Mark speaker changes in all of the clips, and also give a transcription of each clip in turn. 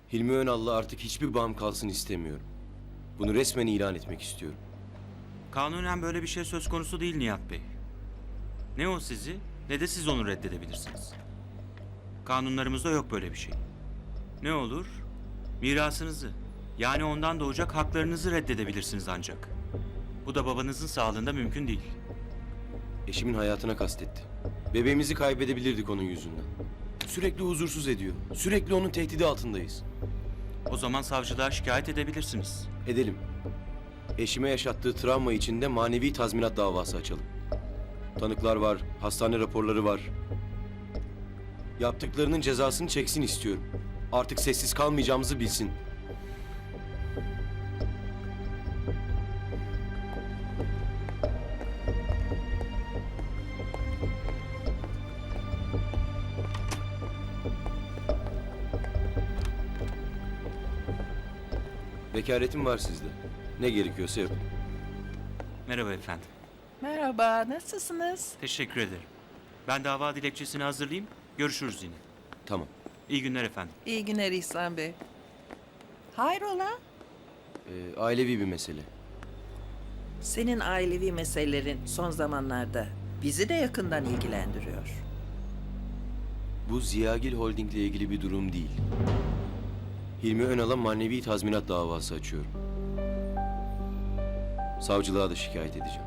Speaker 1: Hilmi Önal'la artık hiçbir bağım kalsın istemiyorum. Bunu resmen ilan etmek istiyorum.
Speaker 2: Kanunen böyle bir şey söz konusu değil Nihat Bey. Ne o sizi ne de siz onu reddedebilirsiniz. Kanunlarımızda yok böyle bir şey. Ne olur? Mirasınızı, yani ondan doğacak haklarınızı reddedebilirsiniz ancak. Bu da babanızın sağlığında mümkün değil.
Speaker 1: Eşimin hayatına kastetti. Bebeğimizi kaybedebilirdik onun yüzünden. Sürekli huzursuz ediyor. Sürekli onun tehdidi altındayız.
Speaker 2: O zaman savcılığa şikayet edebilirsiniz.
Speaker 1: Edelim. Eşime yaşattığı travma için de manevi tazminat davası açalım. Tanıklar var, hastane raporları var. Yaptıklarının cezasını çeksin istiyorum. Artık sessiz kalmayacağımızı bilsin. Vekaletim var sizde. Ne gerekiyorsa yapın.
Speaker 2: Merhaba efendim.
Speaker 3: Merhaba, nasılsınız?
Speaker 2: Teşekkür ederim. Ben dava dilekçesini hazırlayayım. Görüşürüz yine.
Speaker 1: Tamam.
Speaker 2: İyi günler efendim.
Speaker 3: İyi günler İhsan Bey. Hayrola?
Speaker 1: Ailevi bir mesele.
Speaker 3: Senin ailevi meselelerin son zamanlarda bizi de yakından ilgilendiriyor.
Speaker 1: Bu Ziyagil Holding'le ilgili bir durum değil. Hilmi Önal'a manevi tazminat davası açıyorum. Savcılığa da şikayet edeceğim.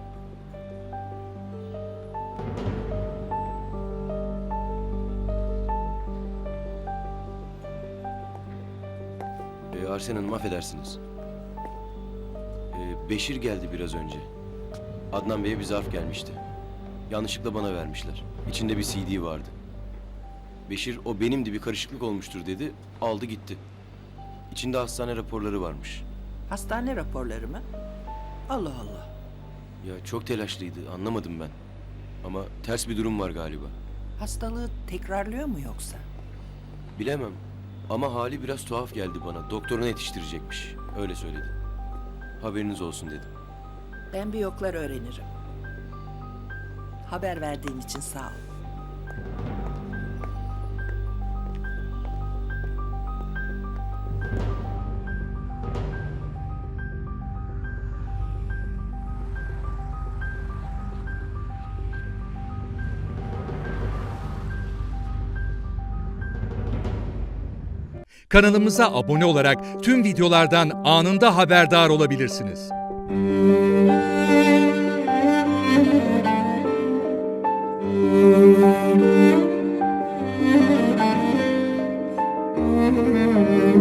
Speaker 1: Arsen Hanım affedersiniz. Beşir geldi biraz önce. Adnan Bey'e bir zarf gelmişti. Yanlışlıkla bana vermişler. İçinde bir CD vardı. Beşir o benimdi, bir karışıklık olmuştur dedi. Aldı gitti. İçinde hastane raporları varmış.
Speaker 3: Hastane raporları mı? Allah Allah.
Speaker 1: Ya çok telaşlıydı, anlamadım ben. Ama ters bir durum var galiba.
Speaker 3: Hastalığı tekrarlıyor mu yoksa?
Speaker 1: Bilemem. Ama hali biraz tuhaf geldi bana. Doktoruna yetiştirecekmiş. Öyle söyledi. Haberiniz olsun dedim.
Speaker 3: Ben bir yoklar öğrenirim. Haber verdiğin için sağ ol.
Speaker 4: Kanalımıza abone olarak tüm videolardan anında haberdar olabilirsiniz.
Speaker 5: Müzik